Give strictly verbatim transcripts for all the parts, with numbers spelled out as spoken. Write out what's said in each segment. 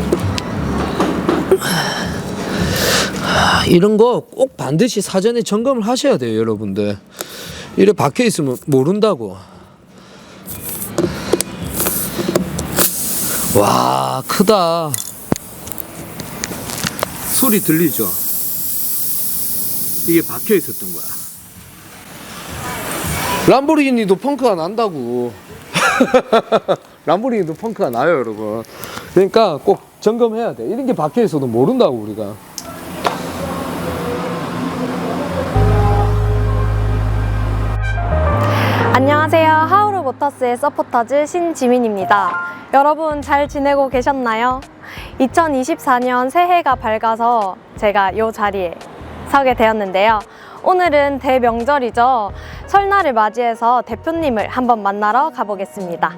이런 거 꼭 반드시 사전에 점검을 하셔야 돼요, 여러분들. 이래 박혀 있으면 모른다고. 와, 크다. 소리 들리죠? 이게 박혀 있었던 거야. 람보르기니도 펑크가 난다고. 람보르기니도 펑크가 나요, 여러분. 그러니까 꼭 점검해야 돼. 이런 게 박혀 있어도 모른다고, 우리가. 안녕하세요. 하우르 모터스의 서포터즈 신지민입니다. 여러분 잘 지내고 계셨나요? 이천이십사 년 새해가 밝아서 제가 이 자리에 서게 되었는데요. 오늘은 대명절이죠. 설날을 맞이해서 대표님을 한번 만나러 가보겠습니다.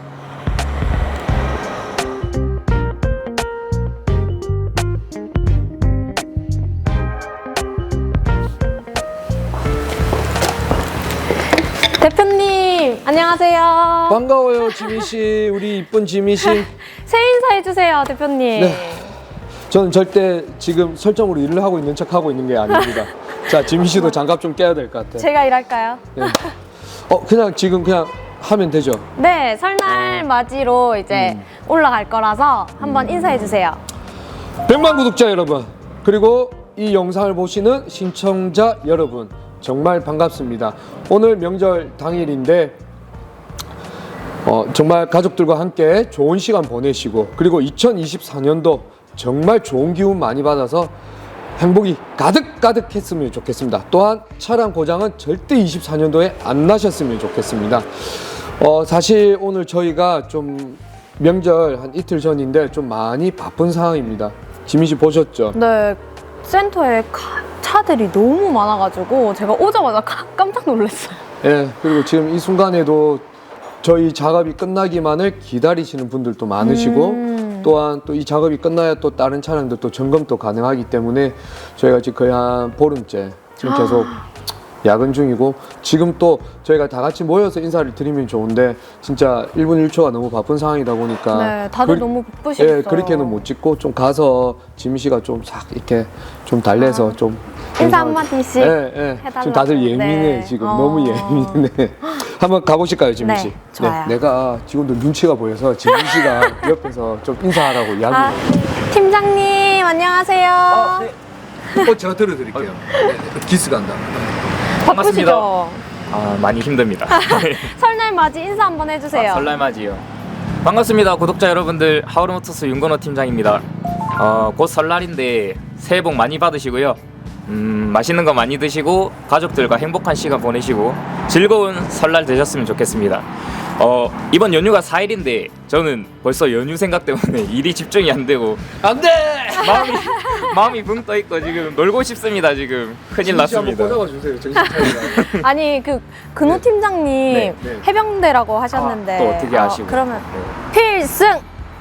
대표님 안녕하세요. 반가워요, 지민씨. 우리 이쁜 지민씨. 새해 인사해주세요, 대표님. 네. 저는 절대 지금 설정으로 일을 하고 있는 척 하고 있는 게 아닙니다. 자, 지민씨도 장갑 좀 껴야 될 것 같아요. 제가 일할까요? 네. 어, 그냥 지금 그냥 하면 되죠? 네, 설날 맞이로 이제 음. 올라갈 거라서 한번 인사해주세요. 백만 구독자 여러분, 그리고 이 영상을 보시는 시청자 여러분, 정말 반갑습니다. 오늘 명절 당일인데 어, 정말 가족들과 함께 좋은 시간 보내시고, 그리고 이천이십사 년도 정말 좋은 기운 많이 받아서 행복이 가득가득 했으면 좋겠습니다. 또한 차량 고장은 절대 이십사 년도에 안 나셨으면 좋겠습니다. 어, 사실 오늘 저희가 좀 명절 한 이틀 전인데 좀 많이 바쁜 상황입니다. 지민 씨 보셨죠? 네, 센터에 카, 차들이 너무 많아가지고 제가 오자마자 카, 깜짝 놀랐어요. 예, 그리고 지금 이 순간에도 저희 작업이 끝나기만을 기다리시는 분들도 많으시고, 음. 또한 또 이 작업이 끝나야 또 다른 차량들 또 점검도 가능하기 때문에 저희가 지금 거의 한 보름째 지금 계속 야근 중이고, 지금 또 저희가 다 같이 모여서 인사를 드리면 좋은데 진짜 일 분 일 초가 너무 바쁜 상황이다 보니까 네, 다들 그, 너무 바쁘시겠어요. 예, 그렇게는 못 찍고 좀 가서 지민 씨가 좀 싹 이렇게 좀 달래서 아. 좀 인사 한마디씩 예, 예. 해달라고. 지금 다들 예민해. 네. 지금 어. 너무 예민해. 한번 가보실까요, 지민 씨? 네, 좋아요. 내가 직원들 눈치가 보여서 지민 씨가 옆에서 좀 인사하라고 이야기. 아, 팀장님 안녕하세요. 아, 네. 어, 제가 들어드릴게요. 네, 기스 간다. 바쁘시죠? 아, 많이 힘듭니다. 설날 맞이 인사 한번 해주세요. 아, 설날맞이요. 반갑습니다, 구독자 여러분들. 하우르모터스 윤건호 팀장입니다. 어, 곧 설날인데 새해 복 많이 받으시고요. 음, 맛있는 거 많이 드시고 가족들과 행복한 시간 보내시고 즐거운 설날 되셨으면 좋겠습니다. 어, 이번 연휴가 사 일인데 저는 벌써 연휴 생각 때문에 일이 집중이 안 되고 안 돼! 마음이 마음이 붕 떠 있고 지금 놀고 싶습니다. 지금 큰일 지민 씨 한번 났습니다. 꽂아봐 주세요. 정신 차리라. 아니 그 근호 네. 팀장님 네, 네. 해병대라고 하셨는데 아, 또 어떻게 아시고? 그러면 네. 필승!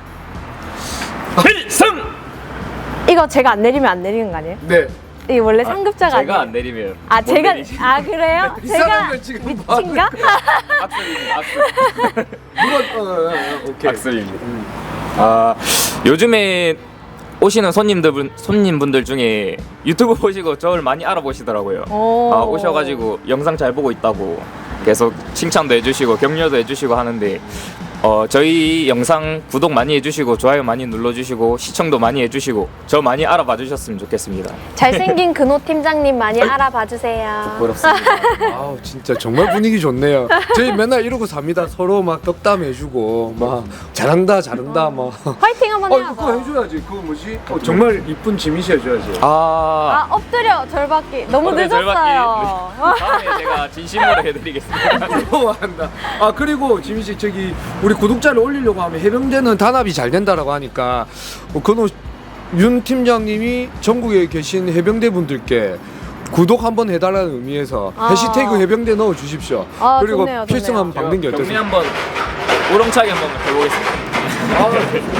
필승! 이거 제가 안 내리면 안 내리는 거 아니에요? 네. 이게 원래 상급자가 제가 안 아니에요? 내리면 아 못 제가 내리지. 아 그래요? 이 제가 사람들 지금 뭐 하는 미친가? 악습입니다. 악습. 누가, 어, 어, 어, 오케이. 악습입니다. 아, 요즘에 오시는 손님들 손님분들 중에 유튜브 보시고 저를 많이 알아보시더라고요. 오. 아, 오셔가지고 영상 잘 보고 있다고 계속 칭찬도 해주시고 격려도 해주시고 하는데 어, 저희 영상 구독 많이 해주시고 좋아요 많이 눌러주시고 시청도 많이 해주시고 저 많이 알아봐 주셨으면 좋겠습니다. 잘생긴 근호 팀장님 많이 알아봐 주세요. 부럽습니다. 아우, 진짜 정말 분위기 좋네요. 저희 맨날 이러고 삽니다. 서로 막 덕담해주고 막 잘한다 잘한다 막. 화이팅 한번 어, 해야죠. 그거 해줘야지. 그거 뭐지? 어, 정말 이쁜 지민 씨 해줘야지. 아, 아 엎드려 절받기 너무 엎드려 늦었어요. 다음에 제가 진심으로 해드리겠습니다. 부러워한다. 아, 그리고 지민 씨, 저기 우리 구독자를 올리려고 하면 해병대는 단합이 잘 된다라고 하니까 어, 그노 윤 팀장님이 전국에 계신 해병대 분들께 구독 한번 해달라는 의미에서 아. 해시태그 해병대 넣어 주십시오. 아, 그리고 좋네요, 필승 좋네요. 한번 박는 게 경례 어떠세요? 한번 우렁차게 한번 해보겠습니다.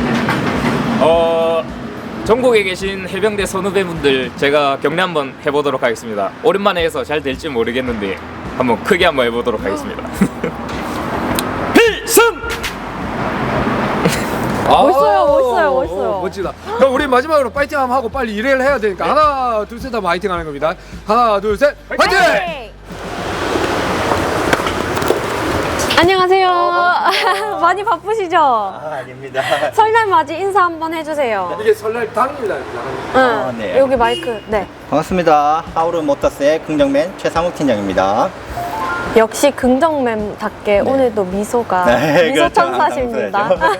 어, 전국에 계신 해병대 선후배분들 제가 격려 한번 해보도록 하겠습니다. 오랜만에 해서 잘 될지 모르겠는데 한번 크게 한번 해보도록 하겠습니다. 필승! 멋있어요, 멋있어요, 멋있어요. 어, 멋지다. 그럼 우리 마지막으로 파이팅 한번 하고 빨리 일을 해야 되니까 네. 하나 둘 셋 하면 파이팅 하는 겁니다. 하나 둘 셋 파이팅! 네. 안녕하세요. 많이 바쁘시죠? 아, 아닙니다. 설날 맞이 인사 한번 해주세요. 이게 설날 당일날 응. 아, 네. 여기 마이크. 네. 반갑습니다. 하우르 모터스의 긍정맨 최상욱 팀장입니다. 역시 긍정맨답게 오늘도 미소가 네, 미소 그렇죠. 천사십니다. 항상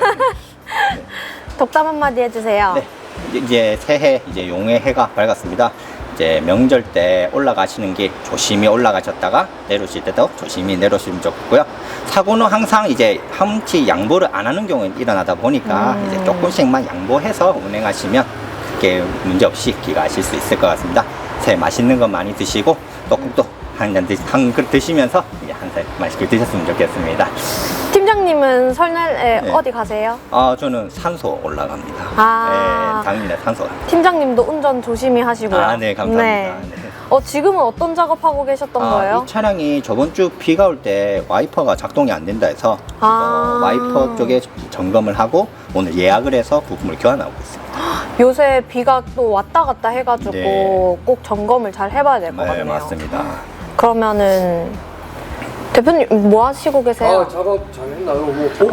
덕담 한마디 해주세요. 네. 이제 새해 이제 용의 해가 밝았습니다. 이제 명절 때 올라가시는 길 조심히 올라가셨다가 내려오실 때도 조심히 내려오시면 좋고요. 사고는 항상 이제 한치 양보를 안 하는 경우는 일어나다 보니까 음. 이제 조금씩만 양보해서 운행하시면 그게 문제 없이 귀가하실 수 있을 것 같습니다. 새해 맛있는 거 많이 드시고 떡국도 한잔 드, 한 그릇 드시면서 이제 한살 맛있게 드셨으면 좋겠습니다. 팀장님은 설날에 네. 어디 가세요? 아 저는 산소 올라갑니다. 아. 네, 당일날 산소. 팀장님도 운전 조심히 하시고요. 아, 네, 감사합니다. 네. 네. 어, 지금은 어떤 작업하고 계셨던 아, 거예요? 이 차량이 저번 주 비가 올 때 와이퍼가 작동이 안 된다 해서 아. 어, 와이퍼 쪽에 점검을 하고 오늘 예약을 해서 부품을 교환하고 있습니다. 요새 비가 또 왔다 갔다 해가지고 네. 꼭 점검을 잘 해봐야 될 것 네, 같네요. 맞습니다. 그러면은 대표님 뭐 하시고 계세요? 아 작업 잘했나? 뭐 보고.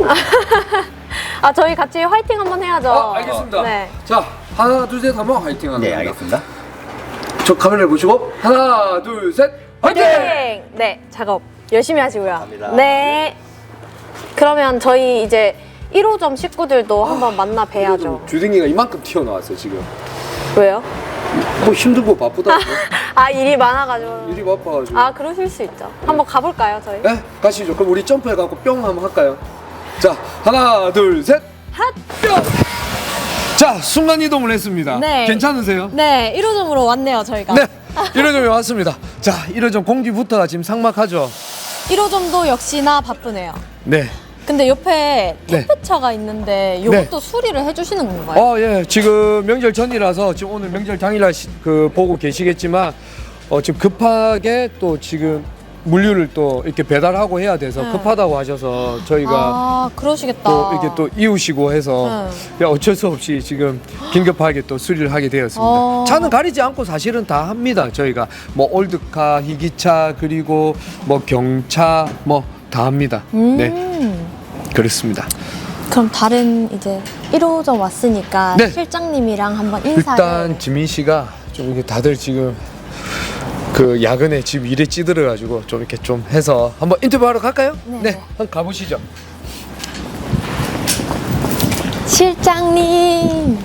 아 저희 같이 화이팅 한번 해야죠. 아 알겠습니다. 네. 자 하나 둘 셋 하면 화이팅 하는 네, 겁니다. 알겠습니다. 저 카메라를 보시고 하나 둘 셋 화이팅! 화이팅! 네, 작업 열심히 하시고요. 감사합니다. 네. 그러면 저희 이제 일 호점 식구들도 한번 만나 뵈야죠. 주댕이가 이만큼 튀어나왔어요 지금. 왜요? 뭐 힘들고 바쁘다. 아 일이 많아가지고. 일이 바빠가지고. 아 그러실 수 있죠. 한번 가볼까요 저희? 네 가시죠. 그럼 우리 점프해갖고 뿅 한번 할까요? 자 하나 둘 셋 핫! 뿅. 자 순간 이동을 했습니다. 네. 괜찮으세요? 네, 일 호점으로 왔네요 저희가. 네. 일 호점에 왔습니다. 자 일 호점 공기부터가 지금 삭막하죠. 일 호점도 역시나 바쁘네요. 네. 근데 옆에 네. 택배차가 있는데 이것도 수리를 해주시는 건가요? 어, 예. 지금 명절 전이라서 지금 오늘 명절 당일날 시- 그 보고 계시겠지만 어, 지금 급하게 또 지금 물류를 또 이렇게 배달하고 해야 돼서 네. 급하다고 하셔서 저희가 아 그러시겠다. 또 이렇게 또 이우시고 해서 네. 야, 어쩔 수 없이 지금 긴급하게 또 수리를 하게 되었습니다. 어. 차는 가리지 않고 사실은 다 합니다. 저희가 뭐 올드카, 희기차 그리고 뭐 경차 뭐 다 합니다. 음. 네, 그렇습니다. 그럼 다른 이제 일 호점 왔으니까 네. 실장님이랑 한번 인사를. 일단 지민 씨가 좀 이게 다들 지금 그 야근에 지금 일에 찌들어가지고 좀 이렇게 좀 해서 한번 인터뷰하러 갈까요? 네. 한번 가보시죠. 실장님.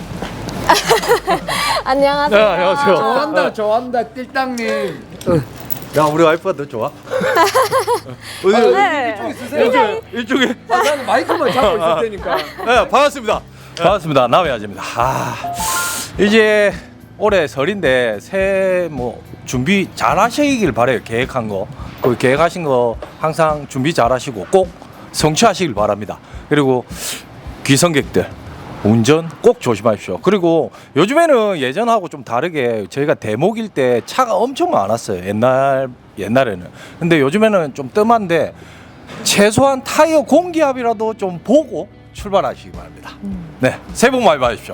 안녕하세요. 네, 안녕하세요. 좋아한다, 좋아한다, 띨땅님. 야 우리 와이프가 더 좋아? 아, 네. 이쪽 있으세요? 이쪽에 아, 나는 마이크만 잡고 있을 테니까. 네, 반갑습니다. 반갑습니다. 남해아재입니다. 아, 이제 올해 설인데 새해 뭐 준비 잘 하시길 바래요. 계획한 거. 그 계획하신 거 항상 준비 잘 하시고 꼭 성취하시길 바랍니다. 그리고 귀성객들 운전 꼭 조심하십시오. 그리고 요즘에는 예전하고 좀 다르게 저희가 대목일 때 차가 엄청 많았어요. 옛날 옛날에는. 근데 요즘에는 좀 뜸한데 최소한 타이어 공기압이라도 좀 보고 출발하시기 바랍니다. 네, 새해 복 많이 받으십시오.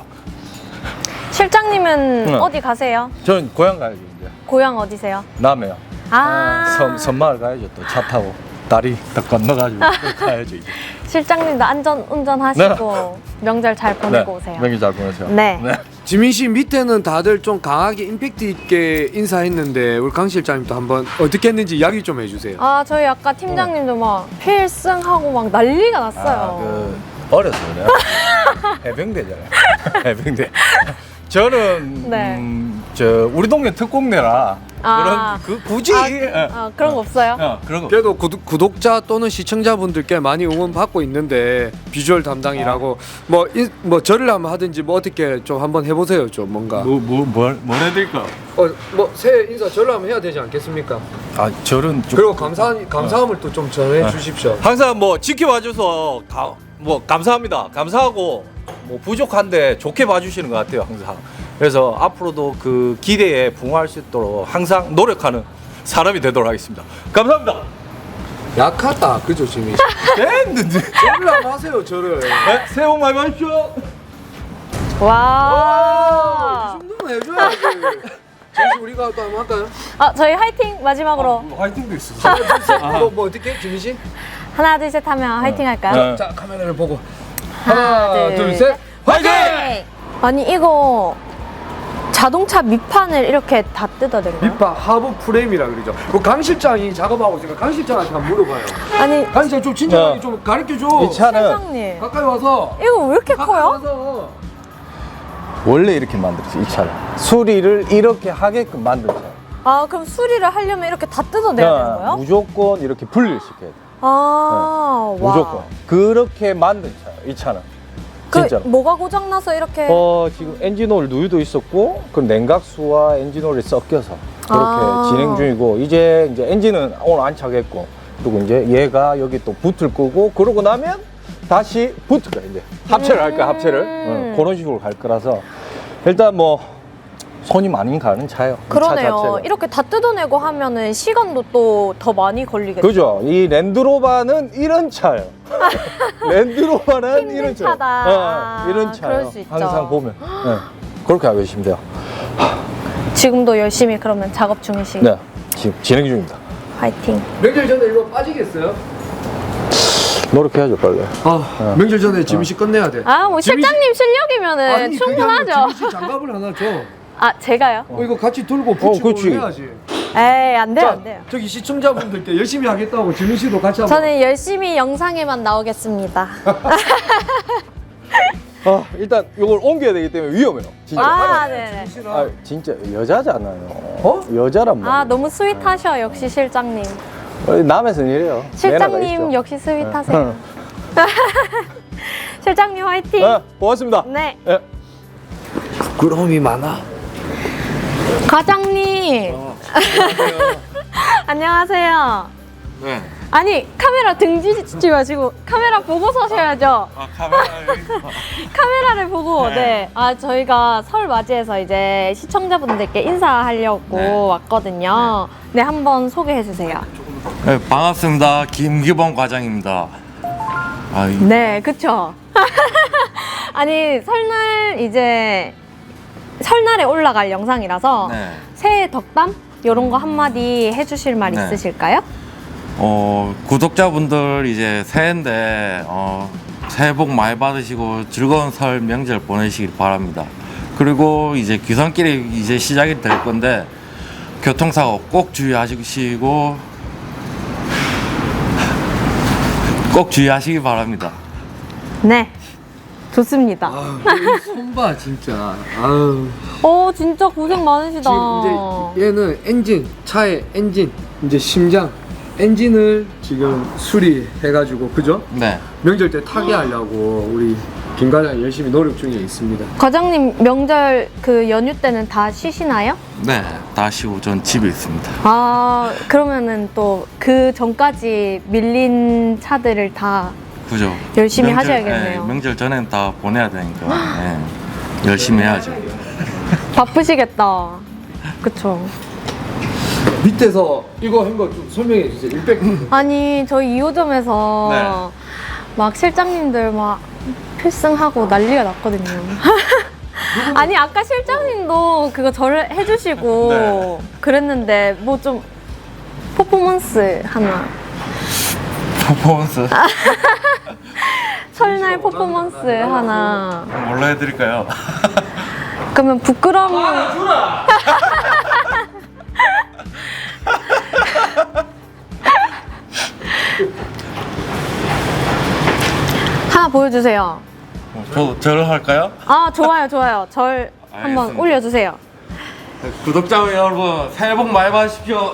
실장님은 응. 어디 가세요? 전 고향 가야죠 이제. 고향 어디세요? 남해요. 아. 섬 섬마을 가야죠. 또 차 타고 다리 딱 건너가지고 또 가야죠 이제. 실장님도 안전 운전하시고 명절 잘 보내고 오세요. 명절 잘 보내세요. 네. 지민 씨 밑에는 다들 좀 강하게 임팩트 있게 인사했는데 우리 강 실장님도 한번 어떻게 했는지 이야기 좀 해주세요. 아 저희 아까 팀장님도 막 필승하고 막 난리가 났어요. 아, 그 어려서 그래요. 해병대잖아요. 해병대. 저는 네. 음, 저 우리 동네 특공대라 아. 그런 그 굳이 아, 예. 아, 그런 거 없어요? 어, 그런 거. 그래도 구독, 구독자 또는 시청자분들께 많이 응원 받고 있는데 비주얼 담당이라고 뭐, 인, 뭐 절을 한번 하든지 뭐 어떻게 좀 한번 해보세요 좀 뭔가 뭐뭐뭘 뭘 해드릴까? 어, 뭐 새해 인사 절을 한번 해야 되지 않겠습니까? 아 저는 좀 그리고 감사 감사함을 또 좀 전해 주십시오. 항상 뭐 지켜봐줘서 가, 뭐 감사합니다. 감사하고 뭐 부족한데 좋게 봐주시는 것 같아요 항상. 그래서 앞으로도 그 기대에 부응할 수 있도록 항상 노력하는 사람이 되도록 하겠습니다. 감사합니다. 약하다. 그죠, 지민 씨? 됐는데. 저를 안 하세요, 저를. 네, 새해 복 많이 받으십시오. 와. 이 정도는 해줘야지. 지민 씨, 우리가 또 한번 할까요? 아, 저희 화이팅 마지막으로 화이팅도 있어. 뭐, 뭐 어떻게, 지민 씨? 하나 둘 셋 하면 화이팅 할까요? 네. 자, 카메라를 보고. 하나, 하나, 둘, 둘, 셋. 화이팅! 아니 이거 자동차 밑판을 이렇게 다 뜯어낸 거예요? 밑바 하부 프레임이라 그러죠. 그 강 실장이 작업하고 있으니까 강 실장한테 한번 물어봐요. 아니 강 실장 좀 친절하게 야. 좀 가르쳐줘. 이 차는 실장님 가까이 와서. 이거 왜 이렇게 가까이 커요? 와서. 원래 이렇게 만들었어, 이 차를. 수리를 이렇게 하게끔 만든 차. 아 그럼 수리를 하려면 이렇게 다 뜯어내야 되는 거예요? 무조건 이렇게 분리를 시켜야 돼. 아 와. 무조건. 그렇게 만든 차야, 이 차는. 그 진짜로. 뭐가 고장나서 이렇게 어, 지금 엔진오일 누유도 있었고, 그 냉각수와 엔진오일이 섞여서 그렇게 아. 진행 중이고, 이제 이제 엔진은 오늘 안착했고, 그리고 이제 얘가 여기 또 붓을 끄고, 그러고 나면 다시 붙을 거야, 이제. 합체를 할 거야, 합체를. 어, 그런 식으로 갈 거라서. 일단 뭐, 손이 많이 가는 차예요. 이 차 그러네요. 자체가. 이렇게 다 뜯어내고 하면은 시간도 또 더 많이 걸리겠죠. 그죠? 이 랜드로바는 이런 차예요. 랜드로바는 힘든 이런 차. 차다. 어, 이런 차예요. 그럴 수 있죠. 항상 보면. 네. 그렇게 알고 계시면 돼요. 지금도 열심히 그러면 작업 중이시. 네. 지금 진행 중입니다. 화이팅. 명절 전에 이거 빠지겠어요? 노력해야죠, 빨리. 아, 명절 전에 지민 씨 끝내야 돼. 아 뭐 지민 씨- 실장님 실력이면은 아니, 그게 아니라 충분하죠. 지민 씨 장갑을 하나 줘. 아 제가요? 어, 이거 같이 들고 붙이고 그치. 해야지. 에이 안 돼요 자, 안 돼요. 저기 시청자분들께 열심히 하겠다고 지민 씨도 같이 한번. 저는 열심히 영상에만 나오겠습니다. 아, 일단 이걸 옮겨야 되기 때문에 위험해요. 진짜. 아 네네. 지민 씨랑 아, 진짜 여자잖아요. 어? 여자란 말이에요. 아 너무 스윗하셔 역시 실장님. 어, 남에서는 이래요. 매너가 실장님 있죠. 역시 스윗하세요. 실장님 화이팅. 네, 고맙습니다. 네. 네. 부끄러움이 많아. 과장님. 안녕하세요. 네. 아니 카메라 등지지 마시고 카메라 보고 서셔야죠. 아 카메라. 카메라를 보고 네. 아 저희가 설 맞이해서 이제 시청자분들께 인사하려고 네. 왔거든요. 네, 한번 소개해 주세요. 네, 반갑습니다. 김기범 과장입니다. 아, 이- 네, 그쵸. 아니 설날 이제 설날에 올라갈 영상이라서 네. 새해 덕담 이런 거 한마디 해주실 말 네. 있으실까요? 어, 구독자분들 이제 새해인데 어, 새해 복 많이 받으시고 즐거운 설 명절 보내시길 바랍니다. 그리고 이제 귀성길이 이제 시작이 될 건데 교통사고 꼭 주의하시고 꼭 주의하시기 바랍니다. 네, 좋습니다. 아, 손봐 진짜. 아유. 어, 진짜 고생 많으시다. 지금 이제 얘는 엔진, 차의 엔진, 이제 심장, 엔진을 지금 수리해가지고 그죠? 네. 명절 때 타게 하려고 우리 김 과장이 열심히 노력 중에 있습니다. 과장님 명절 그 연휴 때는 다 쉬시나요? 네, 다시 오전 집에 있습니다. 아, 그러면은 또 그 전까지 밀린 차들을 다 그죠? 열심히 명절, 하셔야겠네요. 네, 명절 전엔 다 보내야 되니까 네, 열심히 해야죠. 바쁘시겠다. 그쵸. 밑에서 이거 한 거 좀 설명해 주세요. 육백. 아니 저희 이 호점에서 네. 막 실장님들 막 필승하고 난리가 났거든요. 아니 아까 실장님도 그거 저를 해주시고 네. 그랬는데 뭐 좀 퍼포먼스 하나 퍼포먼스 설날 퍼포먼스 하나 뭘로 해드릴까요? 그러면 부끄러움 하나 보여주세요. 저 저를 할까요? 아 좋아요 좋아요 절 한번 알겠습니다. 올려주세요. 구독자 여러분 새해 복 많이 받으십시오.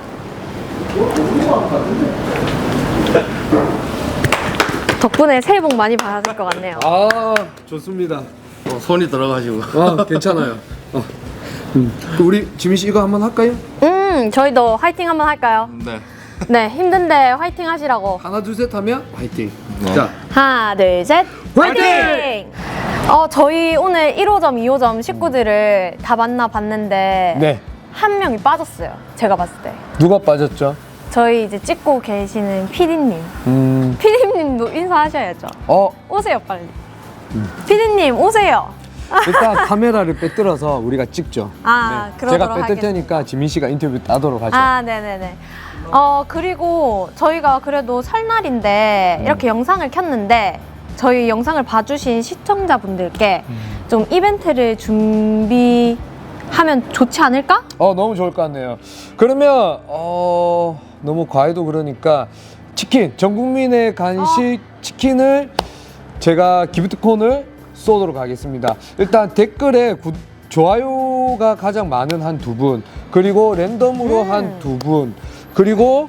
덕분에 새해 복 많이 받으실 것 같네요. 아 좋습니다. 어, 손이 들어가지고. 아 괜찮아요. 어. 음. 그 우리 지민 씨 이거 한번 할까요? 음 저희도 화이팅 한번 할까요? 네. 네 힘든데 화이팅 하시라고. 하나 둘 셋 하면 화이팅. 네. 자 하나 둘 셋 화이팅! 어 저희 오늘 일 호점 이 호점 식구들을 다 만나 봤는데 네. 한 명이 빠졌어요. 제가 봤을 때. 누가 빠졌죠? 저희 이제 찍고 계시는 피디님. 음, 피디님도 인사하셔야죠. 어, 오세요, 빨리. 피디님, 오세요. 일단 카메라를 빼들어서 우리가 찍죠. 아, 네. 그러도록 제가 뺏을 하겠습니다. 테니까 지민 씨가 인터뷰 따도록 하죠. 아, 네네네. 어, 그리고 저희가 그래도 설날인데 이렇게 영상을 켰는데 저희 영상을 봐주신 시청자분들께 좀 이벤트를 준비하면 좋지 않을까? 어, 너무 좋을 것 같네요. 그러면 어, 너무 과해도 그러니까 치킨, 전 국민의 간식 치킨을 제가 기프트콘을 쏘도록 하겠습니다. 일단 댓글에 구, 좋아요가 가장 많은 한 두 분, 그리고 랜덤으로 음. 한 두 분, 그리고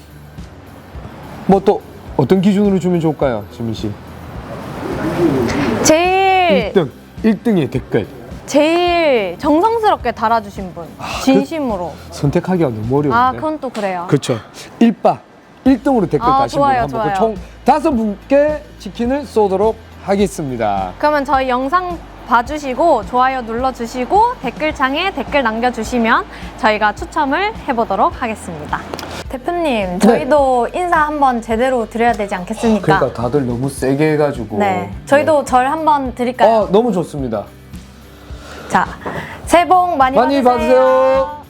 뭐 또 어떤 기준으로 주면 좋을까요, 지민 씨? 제일 일 등, 일 등의 댓글. 제일 정성스럽게 달아주신 분, 진심으로. 선택하기가 너무 어려운데. 아, 그건 또 그래요. 그렇죠. 일바 일 등으로 댓글 아, 다신 좋아요, 분 한번 좋아요. 총 다섯 분께 치킨을 쏘도록 하겠습니다. 그러면 저희 영상 봐주시고 좋아요 눌러주시고 댓글창에 댓글 남겨주시면 저희가 추첨을 해보도록 하겠습니다. 대표님, 저희도 인사 한번 제대로 드려야 되지 않겠습니까? 그러니까 다들 너무 세게 해가지고. 네, 저희도 절 한번 드릴까요? 어, 너무 좋습니다. 자, 새해 복 많이, 많이 받으세요.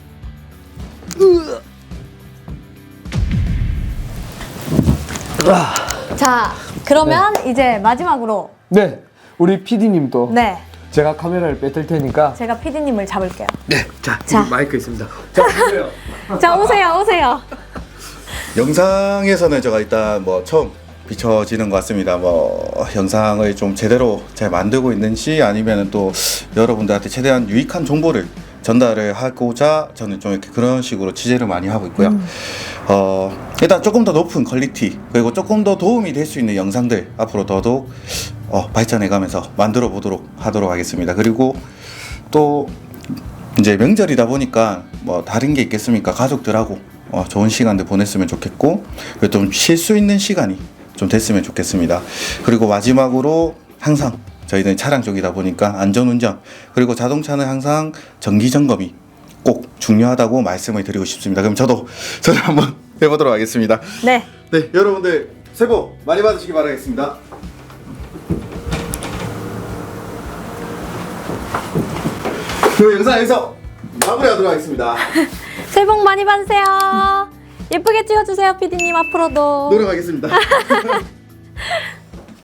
자, 그러면 이제 마지막으로 네, 우리 피디님도 네, 제가 카메라를 뺏을 테니까. 제가 피디님을 잡을게요. 네, 자, 자. 여기 마이크 있습니다. 자, 보세요. 자, 오세요, 오세요. 영상에서는 제가 일단 뭐 처음 비춰지는 것 같습니다. 뭐 영상을 좀 제대로 잘 만들고 있는지 아니면 또 여러분들한테 최대한 유익한 정보를 전달을 하고자 저는 좀 이렇게 그런 식으로 취재를 많이 하고 있고요. 음. 어, 일단 조금 더 높은 퀄리티 그리고 조금 더 도움이 될 수 있는 영상들 앞으로 더더욱 어, 발전해가면서 만들어 보도록 하도록 하겠습니다. 그리고 또 이제 명절이다 보니까 뭐 다른 게 있겠습니까? 가족들하고 어, 좋은 시간들 보냈으면 좋겠고 좀 쉴 수 있는 시간이 좀 됐으면 좋겠습니다. 그리고 마지막으로 항상 저희는 차량 쪽이다 보니까 안전운전 그리고 자동차는 항상 정기 점검이 꼭 중요하다고 말씀을 드리고 싶습니다. 그럼 저도 저를 한번 해보도록 하겠습니다. 네. 네, 여러분들 새해 복 많이 받으시기 바라겠습니다. 그럼 영상 여기서 마무리하도록 하겠습니다. 새해 복 많이 받으세요. 예쁘게 찍어주세요, 피디님 앞으로도. 노력하겠습니다.